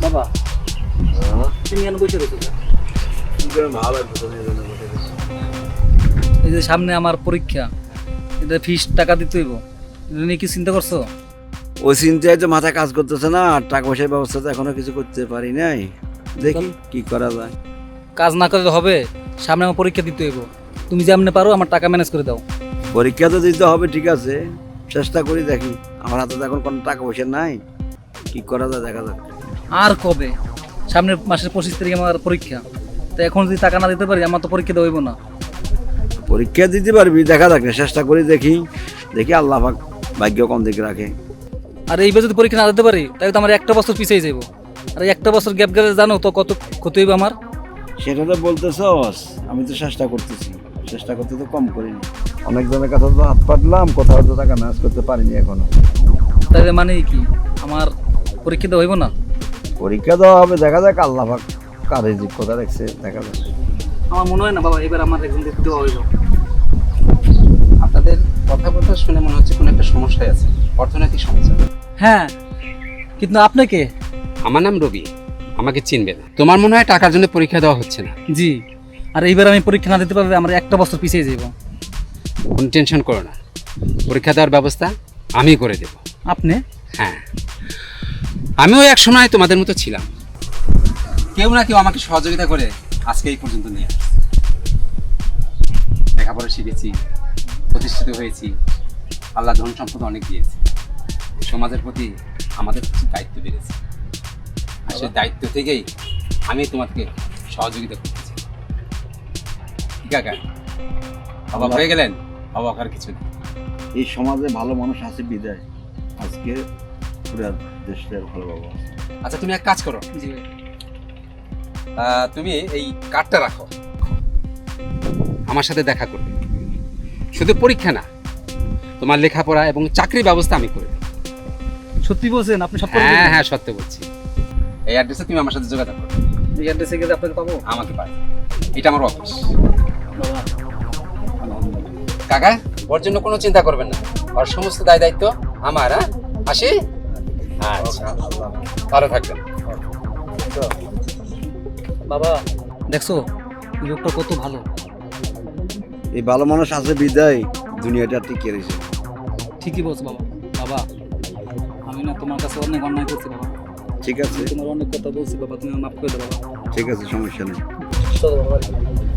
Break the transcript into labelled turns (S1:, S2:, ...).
S1: বাবা তুমি কেন বসে রয়েছো? এই যে সামনে আমার পরীক্ষা, এটা ফিস টাকা দিতে হইব, এটা নিয়ে কি চিন্তা করছো?
S2: ওই চিন্তায় তো মাথা কাজ করতেছে না, আর টাকা পয়সার ব্যবস্থা তো এখনো কিছু করতে পারি নাই। দেখি কি করা যায়।
S1: কাজ না করলে হবে, সামনে আমার পরীক্ষা দিতে হইব, তুমি যেমনি পারো আমার টাকা ম্যানেজ করে দাও।
S2: পরীক্ষা তো দিতে হবে, ঠিক আছে, চেষ্টা করি, দেখি। আমার হাতে তো এখন কোনো টাকা পয়সা নাই, কি করা যায় দেখা যাক।
S1: আর কবে? সামনের মাসের 25 তারিখে আমার পরীক্ষা, তো এখন যদি টাকা না দিতে পারি আমার তো পরীক্ষা দেওয়া হইব না।
S2: পরীক্ষা দিতে পারবি, দেখা যাক না, চেষ্টা করি, দেখি দেখি আল্লাহ পাক ভাগ্য কম দিকে রাখে।
S1: আর এইবার যদি পরীক্ষা না দিতে পারি তাহলে তো আমার একটা বছর পিছিয়ে যাবো, আর এই একটা বছর গ্যাপ গেলে জানো তো কত ক্ষতি হইব আমার।
S2: সেটা তো বলতেছস, আমি তো চেষ্টা করতেছি, চেষ্টা করতে তো কম করিনি। অনেক জনের কাছে তো হাত পাতলাম, কোথাও তো টাকা ম্যানেজ করতে পারিনি এখনো।
S1: তাহলে মানে কি আমার পরীক্ষা দেওয়া হইব না?
S2: পরীক্ষা দেওয়া হবে, দেখা যাক আল্লাহ পাক কার রিজিক কোথা রাখছে, দেখা যাক।
S1: আমার মনে হয় না বাবা এবার আমার এক্সাম দিতে দেওয়া হইব।
S3: আপনাদের কথাবার্তা শুনে মনে হচ্ছে কোনো একটা সমস্যায় আছে, অর্থনৈতিক সমস্যা।
S1: হ্যাঁ, কিন্তু আপনি কে?
S3: আমার নাম রবি, আমাকে চিনবে না। তোমার মনে হয় টাকার জন্য পরীক্ষা দেওয়া হচ্ছে না।
S1: জি, আর এইবার আমি পরীক্ষা না দিতে পারলে আমার একটা বছর পিছিয়ে যাব।
S3: কোনো টেনশন করো না, পরীক্ষা দেওয়ার ব্যবস্থা আমি করে দেব।
S1: আপনি?
S3: হ্যাঁ, আমিও এক সময় তোমাদের মতো ছিলাম, কেউ না কেউ আমাকে সহযোগিতা করে আজকে এই পর্যন্ত নিয়ে আসছে। লেখাপড়া শিখেছি, প্রতিষ্ঠিত হয়েছি, আল্লাহ ধন সম্পদ অনেক দিয়েছে, সমাজের প্রতি আমাদের কিছু দায়িত্ব বেড়েছে, আর সেই দায়িত্ব থেকেই আমি তোমাকে সহযোগিতা করতেছি। ঠিক আছে, অবাক হয়ে গেলেন? অবাক আর কিছু নেই।
S2: এই সমাজে ভালো মানুষ আছে বিদায় আজকে পুরো দেশটা ভালো বাবা।
S3: আচ্ছা, তুমি এক কাজ করো,
S1: জি ভাই।
S3: তুমি এই কার্ডটা রাখো, আমার সাথে দেখা করবে। শুধু পরীক্ষা না, তোমার লেখাপড়া এবং চাকরির ব্যবস্থা আমি করে দেব।
S1: সত্যি বলছেন? আপনি সব করে
S3: হ্যাঁ
S1: দিবেন?
S3: হ্যাঁ, সত্যি বলছি। এই অ্যাড্রেসে তুমি আমার সাথে যোগাযোগ করো।
S1: এই অ্যাড্রেসে গেলে আপনাকে পাবো?
S3: আমাকে পাই, এটা আমার অফিস।
S1: বাবা,
S3: কাকা, ওর জন্য কোনো চিন্তা করবেন না, ওর সমস্ত দায় দায়িত্ব আমার। হ্যাঁ, আসি। আচ্ছা, ভালো থাকবেন।
S1: বাবা দেখছো এই লোকটা কত ভালো।
S2: এই ভালো মানুষ আছে বিদায় দুনিয়াটা টিকে রয়েছে।
S1: ঠিকই বলছো বাবা। বাবা আমি না তোমার কাছে অনেক অন্যায় করছি বাবা,
S2: ঠিক আছে,
S1: তোমার অনেক কথা বলছি বাবা, তুমি মাফ করে দাও বাবা।
S2: ঠিক আছে, সমস্যা নেই।
S1: চলো বাবা।